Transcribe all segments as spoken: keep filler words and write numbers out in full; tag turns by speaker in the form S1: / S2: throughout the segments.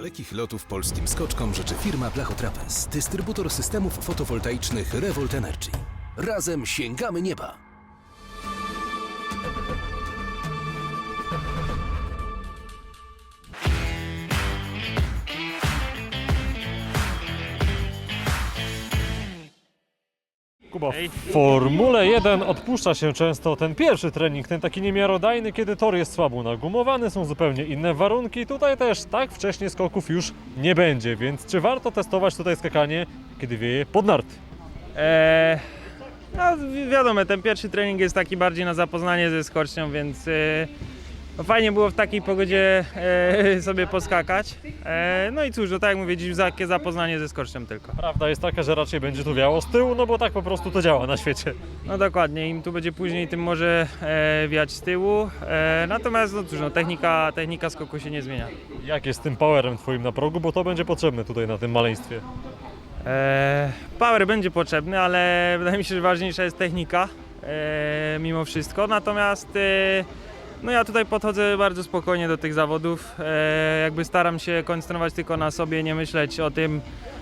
S1: dalekich lotów polskim skoczkom życzy firma Blachotrapez, dystrybutor systemów fotowoltaicznych Revolt Energy. Razem sięgamy nieba!
S2: Kuba, w Formule jeden odpuszcza się często ten pierwszy trening, ten taki niemiarodajny, kiedy tor jest słabo nagumowany, są zupełnie inne warunki. Tutaj też tak wcześnie skoków już nie będzie, więc czy warto testować tutaj skakanie, kiedy wieje pod narty?
S3: Eee, no wi- wiadomo, ten pierwszy trening jest taki bardziej na zapoznanie ze skocznią, więc e, no fajnie było w takiej pogodzie e, sobie poskakać. E, no i cóż, no tak jak mówię, dziś takie zapoznanie ze skocznią tylko.
S2: Prawda jest taka, że raczej będzie tu wiało z tyłu, no bo tak po prostu to działa na świecie.
S3: No dokładnie, im tu będzie później, tym może e, wiać z tyłu. E, natomiast no cóż, no, technika, technika skoku się nie zmienia.
S2: Jak jest z tym powerem twoim na progu, bo to będzie potrzebne tutaj na tym maleństwie.
S3: E, power będzie potrzebny, ale wydaje mi się, że ważniejsza jest technika e, mimo wszystko. Natomiast e, no ja tutaj podchodzę bardzo spokojnie do tych zawodów. E, jakby staram się koncentrować tylko na sobie, nie myśleć o tym,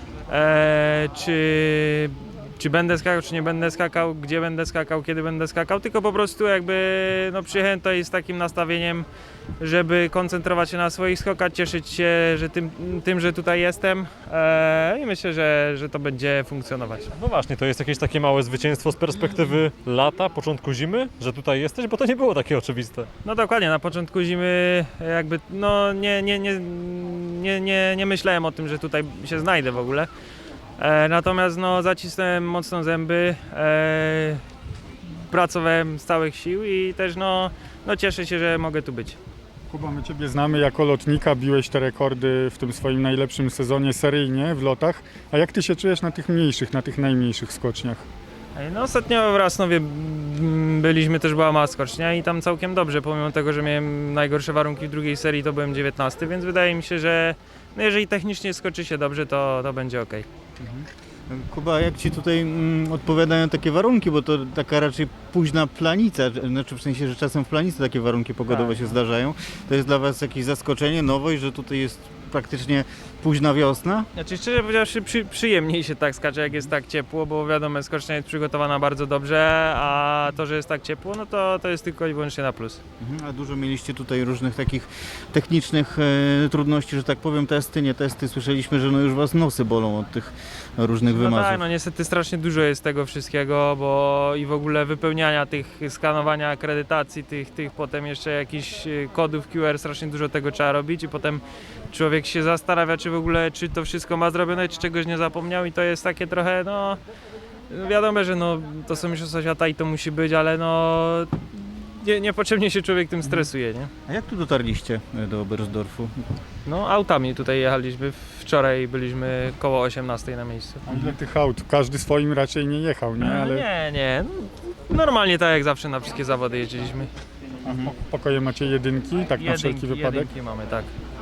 S3: e, czy, czy będę skakał, czy nie będę skakał, gdzie będę skakał, kiedy będę skakał, tylko po prostu jakby no, przyjechałem tutaj z takim nastawieniem, żeby koncentrować się na swoich skokach, cieszyć się że tym, tym, że tutaj jestem e, i myślę, że, że to będzie funkcjonować.
S2: No właśnie, to jest jakieś takie małe zwycięstwo z perspektywy lata, początku zimy, że tutaj jesteś, bo to nie było takie oczywiste.
S3: No dokładnie, na początku zimy jakby no nie, nie, nie, nie, nie, nie myślałem o tym, że tutaj się znajdę w ogóle. E, natomiast no zacisnąłem mocno zęby, e, pracowałem z całych sił i też no, no cieszę się, że mogę tu być.
S4: Kuba, my Ciebie znamy jako lotnika, biłeś te rekordy w tym swoim najlepszym sezonie seryjnie w lotach. A jak Ty się czujesz na tych mniejszych, na tych najmniejszych skoczniach?
S3: No ostatnio w Rasnowie mm, byliśmy, też była mała skocznia i tam całkiem dobrze, pomimo tego, że miałem najgorsze warunki w drugiej serii, to byłem dziewiętnasty, więc wydaje mi się, że no jeżeli technicznie skoczy się dobrze, to, to będzie ok.
S5: Kuba, jak Ci tutaj mm, odpowiadają takie warunki, bo to taka raczej późna planica, znaczy w sensie, że czasem w planicy takie warunki pogodowe
S3: Tak.
S5: się zdarzają. To jest dla Was jakieś zaskoczenie, nowość, że tutaj jest praktycznie późna wiosna?
S3: Znaczy szczerze powiedziawszy przy, przyjemniej się tak skacze, jak jest tak ciepło, bo wiadomo, skocznia jest przygotowana bardzo dobrze, a to, że jest tak ciepło, no to, to jest tylko i wyłącznie na plus.
S5: Mhm. A dużo mieliście tutaj różnych takich technicznych e, trudności, że tak powiem, testy, nie testy. Słyszeliśmy, że no już Was nosy bolą od tych różnych
S3: No
S5: wymazów.
S3: tak, no niestety strasznie dużo jest tego wszystkiego, bo i w ogóle wypełniania tych, skanowania akredytacji, tych, tych potem jeszcze jakichś y, kodów Q R, strasznie dużo tego trzeba robić i potem człowiek się zastanawia, czy w ogóle, czy to wszystko ma zrobione, czy czegoś nie zapomniał i to jest takie trochę, no wiadomo, że no to są mistrzostwa świata i to musi być, ale no nie, niepotrzebnie się człowiek tym stresuje, nie?
S5: A jak tu dotarliście e, do Oberstdorfu?
S3: No autami tutaj jechaliśmy, wczoraj byliśmy koło osiemnastej na miejscu.
S4: A ile tych aut? Każdy swoim raczej nie jechał, nie? Ale
S3: Nie, nie, no, normalnie tak jak zawsze na wszystkie zawody jeździliśmy.
S4: a w pokoje macie jedynki, tak na wszelki
S3: Jedynki,
S4: wypadek?
S3: jedynki mamy, tak.